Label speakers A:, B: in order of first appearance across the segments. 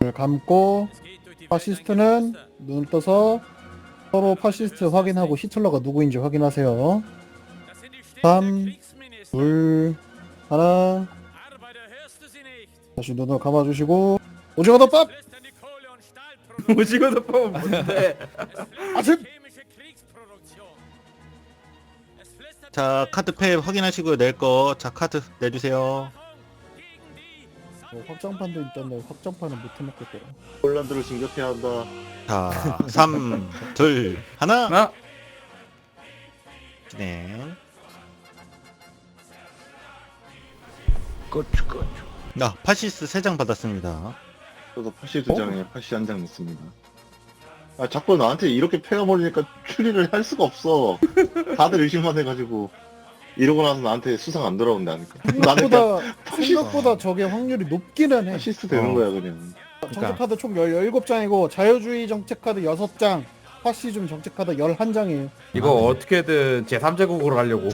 A: 눈을 감고 파시스트는 눈을 떠서 서로 파시스트 확인하고 히틀러가 누구인지 확인하세요. 3, 2, 1. 다시 눈을 감아주시고 오징어 덮밥!
B: 오징어 덮밥은 뭔데?
A: 아침!
C: 자, 카드패 확인하시고요. 낼 거. 자, 카드 내주세요.
A: 확장판도 있던데 확장판은 못 해먹겠더라.
D: 폴란드를 진격해야 한다.
C: 자, 3, 2, 1.
B: 하나.
C: 네.
B: 고추.
C: 파시스 3장 받았습니다.
D: 저도 파시 2장에 파시 1장 넣습니다. 아, 자꾸 나한테 이렇게 패가버리니까 추리를 할 수가 없어. 다들 의심만 해가지고. 이러고 나서 나한테 수상 안 돌아온다 하니까. 나는 그냥
A: 생각보다 저게 확률이 높기는 해.
D: 파시스트 되는 거야, 그냥.
A: 정책카드 총 17장이고 자유주의 정책카드 6장, 파시즘 정책카드 11장이에요.
B: 이거 어떻게든 제3제국으로 가려고.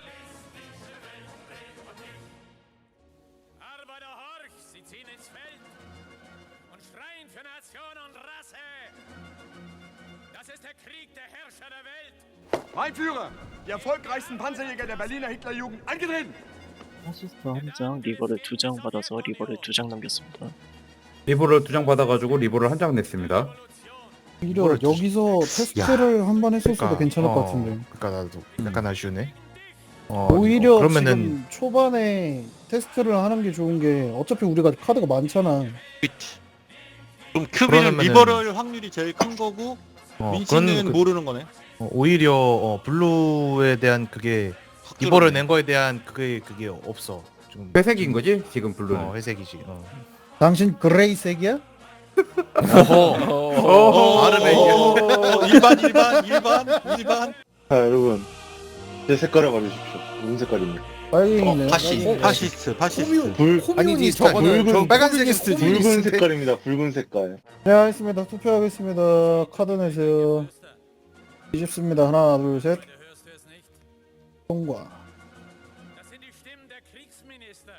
E: Arbeiter horch, sie ziehen ins Feld und schreien für Nation und Rasse. Das ist der Krieg der Herrscher der Welt.
F: Mein Führer, die erfolgreichsten Panzerjäger der Berliner Hitlerjugend, angetreten!
G: 파시스트 한 장, 리버를 2장 받아서 리버를 2장 남겼습니다.
B: 리버를 2장 받아가지고 리버를 1장 냈습니다.
A: 오히려 여기서 테스트를 한 번 했었어도
H: 그러니까,
A: 괜찮을 것 같은데.
H: 그러니까 나도 약간 아쉬우네.
A: 오히려
H: 그러면은
A: 지금 초반에 테스트를 하는 게 좋은 게 어차피 우리가 카드가 많잖아.
C: 그치. 그럼 큐비는
H: 그러면은-
C: 리버럴 확률이 제일 큰 거고 민치는
H: 그건
C: 모르는 거네.
H: 오히려 블루에 대한 그게 리버를 낸 거에 대한 그게 없어. 좀
B: 회색인 거지? 지금 블루는.
H: 회색이지.
A: 당신 그레이색이야?
H: 발음에
C: 일반.
D: 자, 여러분. 제 색깔을 말해주십시오. 무슨 색깔입니까?
A: 빨갱이네.
C: 파시스트.
D: 아니지,
H: 저거는 저 빨간색은
D: 붉은 색깔입니다. 붉은 색깔.
A: 네, 알겠습니다. 투표하겠습니다. 카드 내세요. 뒤집습니다. 하나, 둘, 셋. 통과.
E: Das sind die Stimmen der Kriegsminister.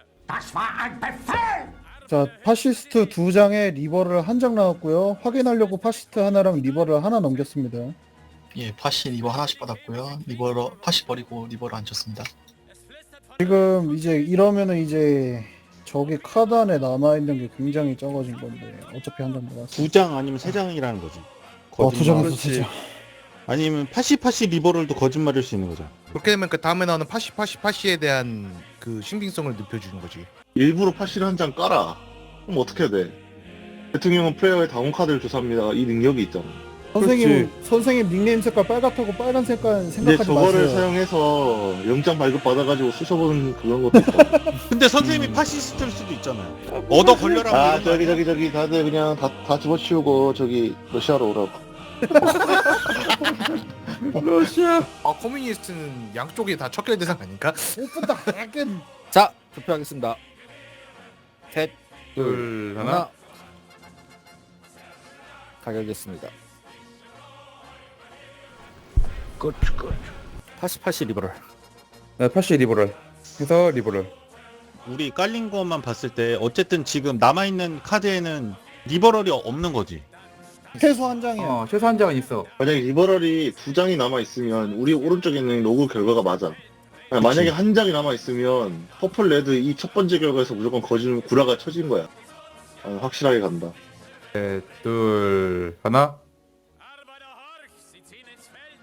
A: 자, 파시스트 2장에 리버를 1장 나왔고요. 확인하려고 파시스트 하나랑 리버를 하나 넘겼습니다.
I: 예, 파시 리버 하나씩 받았고요. 리버로 파시 버리고 리버로 안 쳤습니다.
A: 지금 이제 이러면은 이제 저기 카드 안에 남아있는 게 굉장히 적어진 건데 어차피 한 장 나왔어.
C: 2장 아니면 3장이라는 거지.
A: 2장에서
B: 그렇지.
A: 3장.
C: 아니면 파시 리버럴도 거짓말일 수 있는 거죠.
H: 그렇게 되면 그 다음에 나오는 파시에 대한 그 신빙성을 높여주는 거지.
D: 일부러 파시를 한 장 깔아. 그럼 어떻게 해야 돼? 대통령은 플레이어의 다운 카드를 조사합니다. 이 능력이 있잖아.
A: 선생님 닉네임 색깔 빨갛다고 빨간 색깔
D: 이제
A: 생각하지
D: 저거를
A: 마세요.
D: 사용해서 영장 발급 받아가지고 쑤셔보는 그런 것도 있다.
C: 근데 선생님이 파시스트일 수도 있잖아요. 얻어 걸려라. 뭐
D: 아,
C: 이런 거 아니야?
D: 저기 다들 그냥 다 집어치우고 저기 러시아로 오라고.
B: 러시아.
H: 커뮤니스트는 양쪽이 다 척결 대상 아닌가?
A: 오픈다 하긴.
J: 자, 투표하겠습니다. 셋,
B: 둘, 하나.
J: 가결됐습니다. 파시 리버럴.
B: 네, 파시 리버럴. 해서 리버럴.
C: 우리 깔린 것만 봤을 때 어쨌든 지금 남아있는 카드에는 리버럴이 없는 거지.
A: 최소 한 장이야.
B: 최소 1장은 있어.
D: 만약에 리버럴이 2장이 남아있으면 우리 오른쪽에 있는 로그 결과가 맞아. 아니, 만약에 한 장이 남아있으면 퍼플 레드 이 첫 번째 결과에서 무조건 구라가 쳐진 거야. 아, 확실하게 간다.
B: 셋, 둘, 하나.
E: Arbeiter horch, sie ziehen ins Feld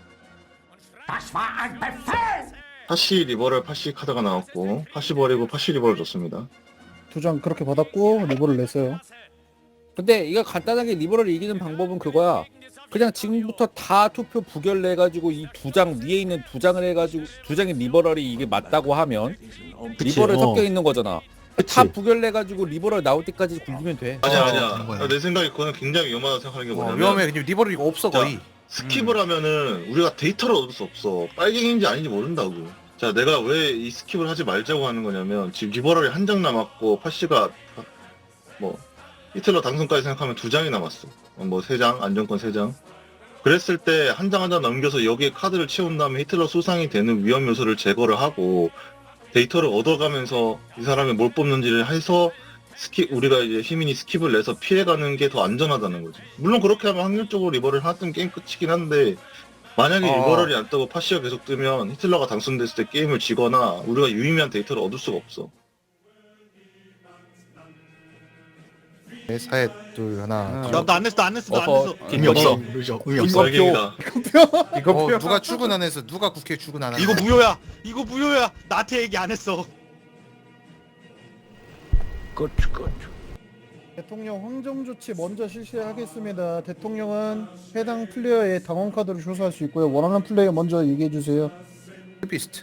E: und schreien.
D: 파시 리버럴 파시 카드가 나왔고 파시 버리고 파시 리버럴 줬습니다.
A: 2장 그렇게 받았고 리버를 냈어요.
J: 근데 이거 간단하게 리버럴 이기는 방법은 그거야. 그냥 지금부터 다 투표 부결내가지고 이 2장 위에 있는 2장을 해가지고 2장의 리버럴이 이게 맞다고 하면 리버럴 섞여 있는 거잖아. 다 부결내가지고 리버럴 나올 때까지 굴리면 돼.
D: 아니야. 내 생각에 그거는 굉장히 위험하다고 생각하는 게 뭐냐면
H: 위험해. 그냥 리버럴이 이거 없어 거의.
D: 스킵을 하면은 우리가 데이터를 얻을 수 없어. 빨갱이인지 아닌지 모른다고. 자, 내가 왜 이 스킵을 하지 말자고 하는 거냐면 지금 리버럴이 한 장 남았고 파시가 뭐 히틀러 당선까지 생각하면 2장이 남았어. 뭐 3장, 안정권 3장. 그랬을 때 한 장 한 장 넘겨서 여기에 카드를 채운 다음에 히틀러 수상이 되는 위험 요소를 제거를 하고 데이터를 얻어가면서 이 사람이 뭘 뽑는지를 해서 우리가 이제 시민이 스킵을 내서 피해가는 게 더 안전하다는 거지. 물론 그렇게 하면 확률적으로 리버를 하나 뜨면 게임 끝이긴 한데 만약에 리버럴이 안 뜨고 파시가 계속 뜨면 히틀러가 당선됐을 때 게임을 지거나 우리가 유의미한 데이터를 얻을 수가 없어.
H: 네, 사회 둘 하나.
C: 나안 냈어 안 냈어 나 안
J: 어허.
C: 냈어.
I: 의미 없어. 의미 없어.
D: 말갱이다.
B: 이거
H: 누가 출근 안 해서 누가 국회 출근 안 하나?
C: 이거 무효야. 이거 무효야. 나한테 얘기 안 했어.
A: 대통령 황정 조치 먼저 실시하겠습니다. 대통령은 해당 플레이어의 당원 카드를 조사할 수 있고요. 원하는 플레이어 먼저 얘기해 주세요.
H: 비스트.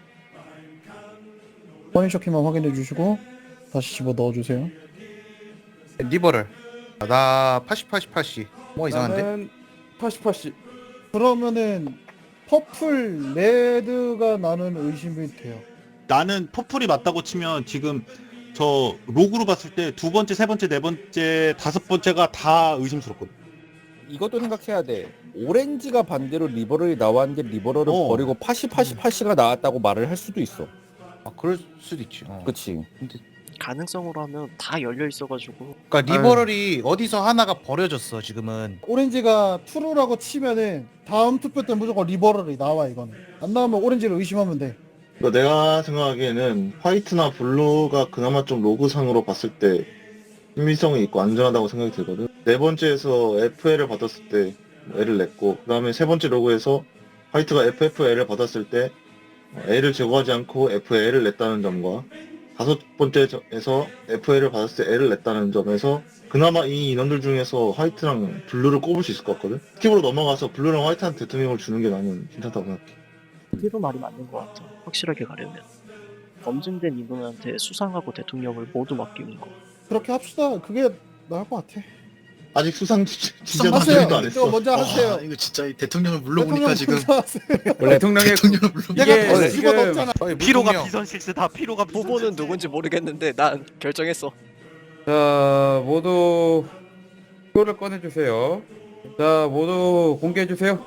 A: 퍼니셔키만 확인해 주시고 다시 집어 넣어 주세요.
H: 리버럴. 나 80. 뭐 이상한데?
A: 나는 80. 그러면은 퍼플 레드가 나는 의심이 돼요.
C: 나는 퍼플이 맞다고 치면 지금 저 로그로 봤을 때 두 번째, 세 번째, 네 번째, 다섯 번째가 다 의심스럽거든.
J: 이것도 생각해야 돼. 오렌지가 반대로 리버럴이 나왔는데 리버럴을
C: 어.
J: 버리고 80가 나왔다고 말을 할 수도 있어.
H: 아, 그럴 수도 있지.
J: 그치.
G: 가능성으로 하면 다 열려 있어가지고
H: 그러니까 리버럴이 어디서 하나가 버려졌어 지금은.
A: 오렌지가 트루라고 치면은 다음 투표 때 무조건 리버럴이 나와. 이거는 안 나오면 오렌지를 의심하면 돼.
D: 그러니까 내가 생각하기에는 화이트나 블루가 그나마 좀 로그상으로 봤을 때 신빙성이 있고 안전하다고 생각이 들거든. 네 번째에서 FL을 받았을 때 L을 냈고, 그 다음에 세 번째 로그에서 화이트가 FFL을 받았을 때 L을 제거하지 않고 FL을 냈다는 점과 다섯 번째에서 FL을 받았을 때 L을 냈다는 점에서 그나마 이 인원들 중에서 화이트랑 블루를 꼽을 수 있을 것 같거든. 스킵으로 넘어가서 블루랑 화이트한테 대통령을 주는 게 나는 괜찮다고 생각해.
G: 피로 말이 맞는 것 같아. 확실하게 가려면 검증된 인원한테 수상하고 대통령을 모두 맡기는 거.
A: 그렇게 합시다. 그게 나을 것 같아.
D: 아직 수상 진짜
A: 하세요.
D: 나중도 안
A: 또
D: 했어.
A: 먼저 하세요.
I: 이거 진짜 이 대통령을 물러보니까 지금
A: 먼저 하세요.
B: 대통령의
I: 대통령을 물러.
A: 내가 집어 넣었잖아.
C: 피로가 비선실세다. 피로가
G: 후보는 누군지 모르겠는데 난 결정했어.
B: 자 모두 표를 꺼내주세요. 자 모두 공개해주세요.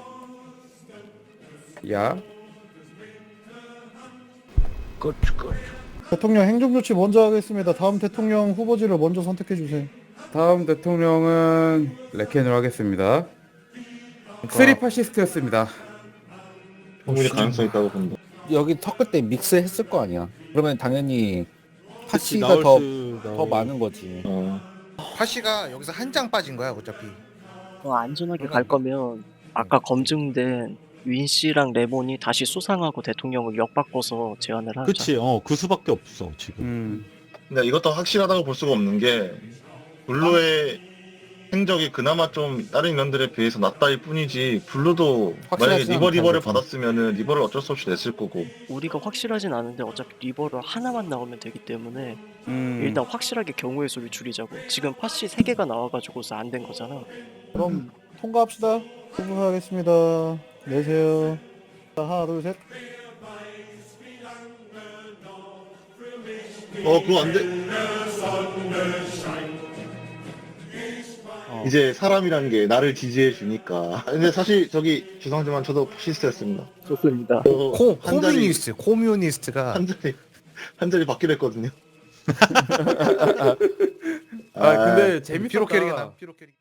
B: 야
A: 대통령 행정조치 먼저 하겠습니다. 다음 대통령 후보지를 먼저 선택해 주세요.
B: 다음 대통령은 레켄으로 하겠습니다. 쓰리 파시스트였습니다.
D: 충분히 가능성 있다고 본다.
J: 여기 턱끝 때 믹스했을 거 아니야. 그러면 당연히 파시가
C: 나올
J: 더
C: 수-
J: 많은 거지.
H: 파시가 여기서 한 장 빠진 거야 어차피.
G: 안전하게 갈 거면 아까 검증된 윈 씨랑 레몬이 다시 수상하고 대통령을 역바꿔서 제안을 하자.
C: 그치. 그 수밖에 없어 지금.
D: 근데 이것도 확실하다고 볼 수가 없는 게 블루의 행적이 그나마 좀 다른 인원들에 비해서 낫다일 뿐이지 블루도 만약에
J: 확실하진
D: 리버를
J: 않다,
D: 받았으면은 리버를 어쩔 수 없이 냈을 거고.
G: 우리가 확실하진 않은데 어차피 리버를 하나만 나오면 되기 때문에 일단 확실하게 경우의 수를 줄이자고. 지금 파시 3개가 나와가지고서 안 된 거잖아.
A: 그럼 통과합시다. 후보하겠습니다. 내세요. 자, 하나, 둘, 셋.
D: 그거 안 돼. 이제 사람이란 게 나를 지지해 주니까. 근데 사실 저기 죄송하지만 저도 파시스트였습니다.
G: 좋습니다.
H: 코뮤니스트가
D: 한 자리 받기로 했거든요.
B: 근데 재밌었다.
H: 피로 캐릭이다. 피로 캐릭.